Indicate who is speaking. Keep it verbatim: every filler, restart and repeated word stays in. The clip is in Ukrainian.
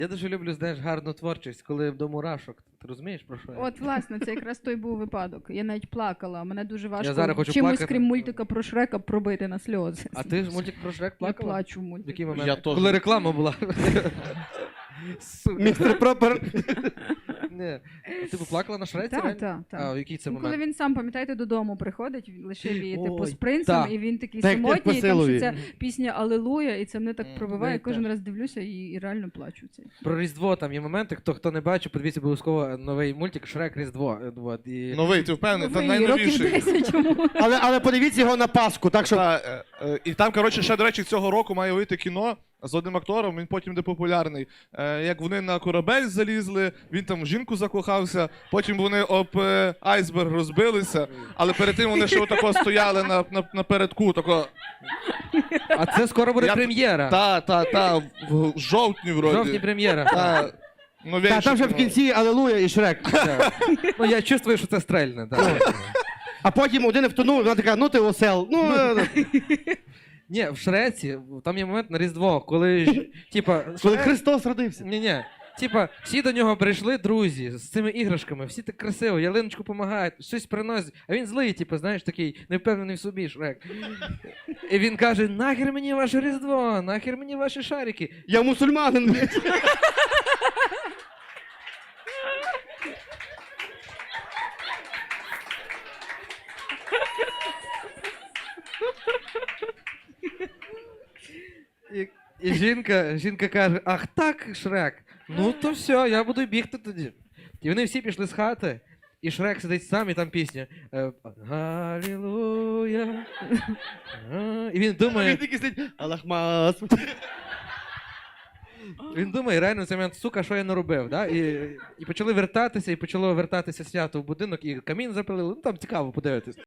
Speaker 1: Я дуже люблю, знаєш, гарну творчість, коли до мурашок. Ти розумієш, про що я?
Speaker 2: От, власне, це якраз той був випадок. Я навіть плакала. Мене дуже важко
Speaker 1: зараз хочу
Speaker 2: чимось,
Speaker 1: плакати.
Speaker 2: крім мультика про Шрека, пробити на сльози.
Speaker 1: А ти ж мультик про Шрек
Speaker 2: Я
Speaker 1: плакала?
Speaker 2: плачу в
Speaker 1: В
Speaker 2: мультику.
Speaker 1: який момент?
Speaker 3: Я теж.
Speaker 1: Коли реклама була. Сука.
Speaker 3: Містер Пропер.
Speaker 1: Ні. Ти б плакала на Шреці?
Speaker 2: Так,
Speaker 1: реально?
Speaker 2: так, так.
Speaker 1: А в який це
Speaker 2: Ну, коли
Speaker 1: момент?
Speaker 2: він сам, пам'ятаєте, додому приходить, він лишив її типу
Speaker 1: Ой,
Speaker 2: з принцем,
Speaker 1: так.
Speaker 2: і він такий
Speaker 3: Так, як
Speaker 2: самотній, і там
Speaker 3: Посилові.
Speaker 2: ще ця пісня Алелуя, і це мене так
Speaker 1: Мгм.
Speaker 2: пробиває,
Speaker 1: Ну, і
Speaker 2: кожен
Speaker 1: теж.
Speaker 2: раз дивлюся і, і реально плачу. Це.
Speaker 1: Про Різдво там є моменти, хто, хто не бачив, подивіться обов'язково новий мультик Шрек Різдво. От, і...
Speaker 3: Новий, ти впевнений? Це
Speaker 2: Ви, років
Speaker 3: найновіший.
Speaker 2: десять чому?
Speaker 3: Але, але подивіться його на Пасху, так що...
Speaker 4: Та, е, е, і там, коротше, ще, до речі, цього року має вийти кіно з одним актором, він потім буде популярний. Е, як вони на корабель залізли, він там в жінку закохався, потім вони об е, айсберг розбилися, але перед тим вони ще отако стояли на, на, на передку, тако,
Speaker 1: А це скоро буде
Speaker 4: Я-
Speaker 1: прем'єра.
Speaker 4: та, та, та, в жовтні
Speaker 1: В
Speaker 4: вроді.
Speaker 1: жовтні прем'єра.
Speaker 4: Та, новейше
Speaker 3: Та, там вже в
Speaker 4: кіно.
Speaker 3: кінці Алелуя і Шрек.
Speaker 1: Так. Ну я чувствую, що це стрельне. Так.
Speaker 3: А потім один втонув, вона така, ну ти осел. Ну, е,
Speaker 1: Ні, в Шреці там є момент на Різдво, коли ж, типа,
Speaker 3: коли
Speaker 1: Шрек-
Speaker 3: Христос родився.
Speaker 1: Ні, ні. Типа, всі до нього прийшли друзі з цими іграшками, всі так красиво, ялиночку допомагають, щось приносять, а він злий, типу, знаєш, такий невпевнений в собі Шрек. І він каже: нахер мені ваше Різдво, нахер мені ваші шарики.
Speaker 3: Я мусульманин, блядь.
Speaker 1: І, і жінка, жінка каже: ах так, Шрек, ну то все, я буду бігти тоді. І вони всі пішли з хати, і Шрек сидить сам, і там пісня. е, Галілуя. А, І він думає,
Speaker 3: Він такий сидить, Аллахмас.
Speaker 1: він думає, реально в цей момент, сука, що я наробив, да? І, і почали вертатися, і почало вертатися свято в будинок, і камін запалили, ну там цікаво подивитись.